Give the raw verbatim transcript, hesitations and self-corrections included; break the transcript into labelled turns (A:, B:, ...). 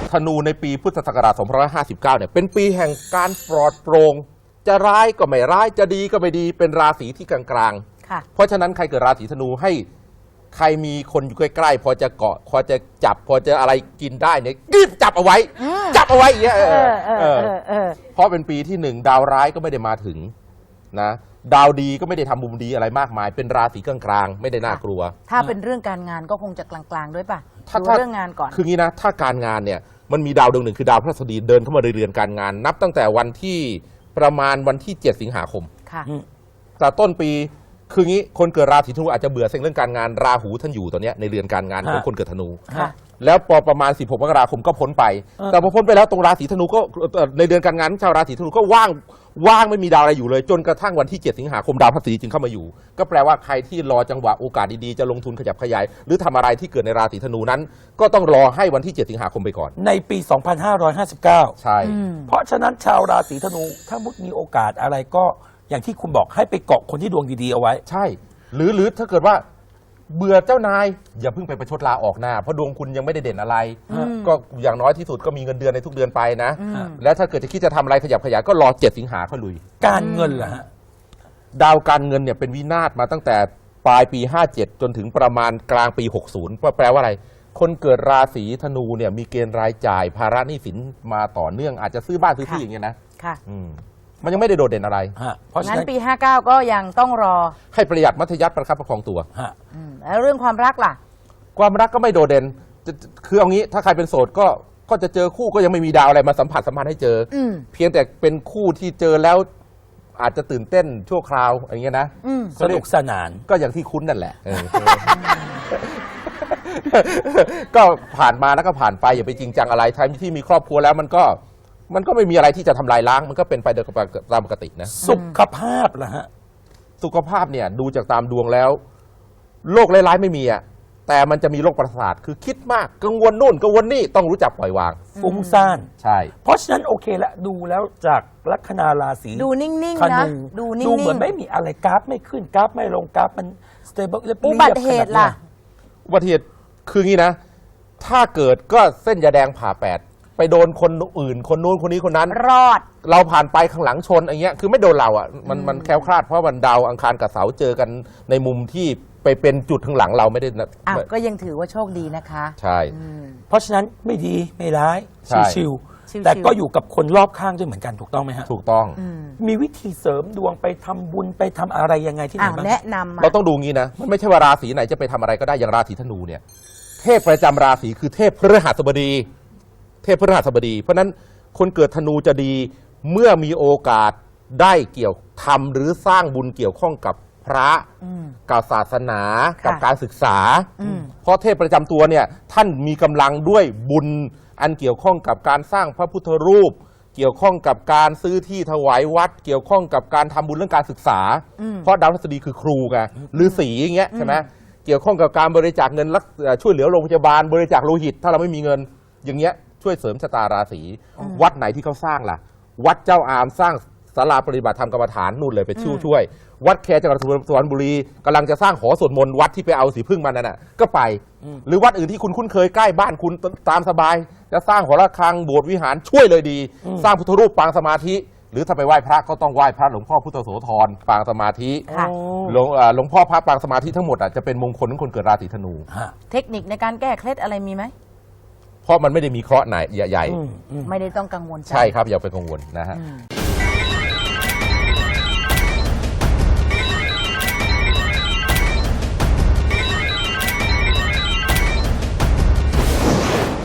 A: ธนูในปีพุทธศักราชสองพันห้าร้อยห้าสิบเก้าเนี่ยเป็นปีแห่งการปลอดโปร่งจะร้ายก็ไม่ร้ายจะดีก็ไม่ดีเป็นราศีที่กลางๆเพราะฉะนั้นใครเกิดราศีธนูให้ใครมีคนอยู่ใกล้ๆพอจะเกาะพอจะจับพอจะอะไรกินได้เนี่ยรีบจับเอาไว้จับเอาไว้อย่างเงี้ยเพราะเป็นปีที่หนึ่งดาวร้ายก็ไม่ได้มาถึงนะดาวดีก็ไม่ได้ทำมุมดีอะไรมากมายเป็นราศีกลางๆไม่ได้น่ากลัว
B: ถ้าเป็นเรื่องการงานก็คงจะกลางๆด้วยป่ะถ้าเรื่องงานก่อน
A: คืองี้นะถ้าการงานเนี่ยมันมีดาวดวงหนึ่งคือดาวพฤหัสบดีเดินเข้ามาในเรือนการงานนับตั้งแต่วันที่ประมาณวันที่เจ็ดสิงหาคมค่ะแต่ต้นปีคืองี้คนเกิดราศีธนูอาจจะเบื่อเรื่องการงานราหูท่านอยู่ตอนนี้ในเรือนการงานของคนเกิดธนูแล้วพอประมาณสิบหกมกราคมก็พ้นไปแต่พอพ้นไปแล้วตรงราศีธนูก็ในเดือนการงานชาวราศีธนูก็ว่างว่างไม่มีดาวอะไรอยู่เลยจนกระทั่งวันที่เจ็ดสิงหาคมดาวพฤหัสบดีจึงเข้ามาอยู่ก็แปลว่าใครที่รอจังหวะโอกาสดีๆจะลงทุนขยับขยายหรือทำอะไรที่เกิดในราศีธนูนั้นก็ต้องรอให้วันที่เจ็ดสิงหาคมไปก่อน
C: ในปีสองพันห้าร้อยห้าสิบเก้า
A: ใช่
C: เพราะฉะนั้นชาวราศีธนูถ้ามุดมีโอกาสอะไรก็อย่างที่คุณบอกให้ไปเกาะคนที่ดวงดีๆเอาไว้
A: ใช่หรือหรือถ้าเกิดว่าเบื่อเจ้านายอย่าเพิ่งไปประชดลาออกหน้าเพราะดวงคุณยังไม่ได้เด่นอะไรก็อย่างน้อยที่สุดก็มีเงินเดือนในทุกเดือนไปนะแล้วถ้าเกิดจะคิดจะทำอะไรขยับขยายก็รอเจ็ดสิงหาค่อยลุย
C: การเงินล่ะฮะ
A: ดาวการเงินเนี่ยเป็นวินาศมาตั้งแต่ปลายปีห้าเจ็ดจนถึงประมาณกลางปีหกสิบก็แปลว่าอะไรคนเกิดราศีธนูเนี่ยมีเกณฑ์รายจ่ายภาระหนี้สินมาต่อเนื่องอาจจะซื้อบ้านซื้อที่อย่างเงี้ยนะค่ะมันยังไม่ได้โดดเด่นอะไร
B: เพราะฉะนั้นปีห้าเก้าก็ยังต้องรอ
A: ให้ประหยัดมัธยัสถ์ประคับประคองตัว
B: แล้วเรื่องความรักล่ะ
A: ความรักก็ไม่โดดเด่นคือเอางี้ถ้าใครเป็นโสดก็ก็จะเจอคู่ก็ยังไม่มีดาวอะไรมาสัมผัสสัมพันธ์ให้เจอเพียงแต่เป็นคู่ที่เจอแล้วอาจจะตื่นเต้นชั่วคราวอย่างเงี้ยนะ
C: สนุกสนาน
A: ก็อย่างที่คุ้นนั่นแหละก็ผ่านมาแล้วก็ผ่านไปอย่าไปจริงจังอะไรท้ายที่มีครอบครัวแล้วมันก็มันก็ไม่มีอะไรที่จะทำลายล้างมันก็เป็นไปตามปกตินะ
C: สุขภาพล่ะฮะ
A: สุขภาพเนี่ยดูจากตามดวงแล้วโรคร้ายๆไม่มีอ่ะแต่มันจะมีโรคประสาทคือคิดมากกังวลนู่นกังวลนี่ต้องรู้จักปล่อยวาง
C: ฟุ้งซ่าน
A: ใช่
C: เพราะฉะนั้นโอเคละดูแล้วจากลัคนาราศี
B: ดูนิ่งๆนะ
C: ดูนิ่งๆดูเหมือนไม่มีอะไรกราฟไม่ขึ้นกราฟไม่ลงกราฟมันสเตเบิล
B: อุบัติเหตุล่ะ
A: อุบัติเหตุคืองี้นะถ้าเกิดก็เส้นยาแดงผ่าแปดไปโดนคนอื่นคนนู้นคนนี้คนนั้น
B: รอด
A: เราผ่านไปข้างหลังชนอย่างเงี้ยคือไม่โดนเราอ่ะมันมันแคล้วคลาดเพราะวันดาวอังคารกับเสาเจอกันในมุมที่ไปเป็นจุดข้างหลังเราไม่ได้นะ
B: อ่ะก็ยังถือว่าโชคดีนะคะ
A: ใช่
C: เพราะฉะนั้นไม่ดีไม่ร้ายชิวๆแต่ก็อยู่กับคนรอบข้างด้วยเหมือนกันถูกต้องไหมฮะ
A: ถูกต้อง
C: มีวิธีเสริมดวงไปทำบุญไปทำอะไรยังไงที่ไหนบ้าง
B: แนะนำ
A: เราต้องดูงี้นะมันไม่ใช่ว่าราศีไหนจะไปทำอะไรก็ได้อย่างราศีธนูเนี่ยเทพประจำราศีคือเทพพฤหัสบดีเทพพฤหัสบดีเพราะนั้นคนเกิดธนูจะดีเมื่อมีโอกาสได้เกี่ยวทำหรือสร้างบุญเกี่ยวข้องกับพระกับศาสนากับการศึกษาเพราะเทพประจำตัวเนี่ยท่านมีกำลังด้วยบุญอันเกี่ยวข้องกับการสร้างพระพุทธรูปเกี่ยวข้องกับการซื้อที่ถวายวัดเกี่ยวข้องกับการทำบุญเรื่องการศึกษาเพราะดาวพฤหัสบดีคือครูไงฤาษีอย่างเงี้ยใช่ไหมเกี่ยวข้องกับการบริจาคเงินช่วยเหลือโรงพยาบาลบริจาคโลหิตถ้าเราไม่มีเงินอย่างเงี้ยช่วยเสริมชะตาราศีวัดไหนที่เขาสร้างล่ะวัดเจ้าอามสร้างศาลาปฏิบัติธรรมกรรมฐานนู่นเลยไปช่วยช่วยวัดแคจังหวัดสุพรรณบุรีกำลังจะสร้างหอสวดมนต์วัดที่ไปเอาสีพึ่งมานั่นน่ะก็ไปหรือวัดอื่นที่คุณคุ้นเคยใกล้บ้านคุณตามสบายจะสร้างหอระฆังโบสถ์วิหารช่วยเลยดีสร้างพุทธรูปปางสมาธิหรือถ้าไปไหว้พระก็ต้องไหว้พระหลวงพ่อพุทธโสธรปางสมาธิหลวงหลวงพ่อพระปางสมาธิทั้งหมดอ่ะจะเป็นมงคลของคนเกิดราศีธนู
B: เทคนิคในการแก้เคล็ดอะไรมีไหม
A: เพราะมันไม่ได้มีเคราะห์ไหนใหญ่
B: ๆไม่ได้ต้องกังวลใจ
A: ใช่ครับอย่าไปกังวลนะฮะ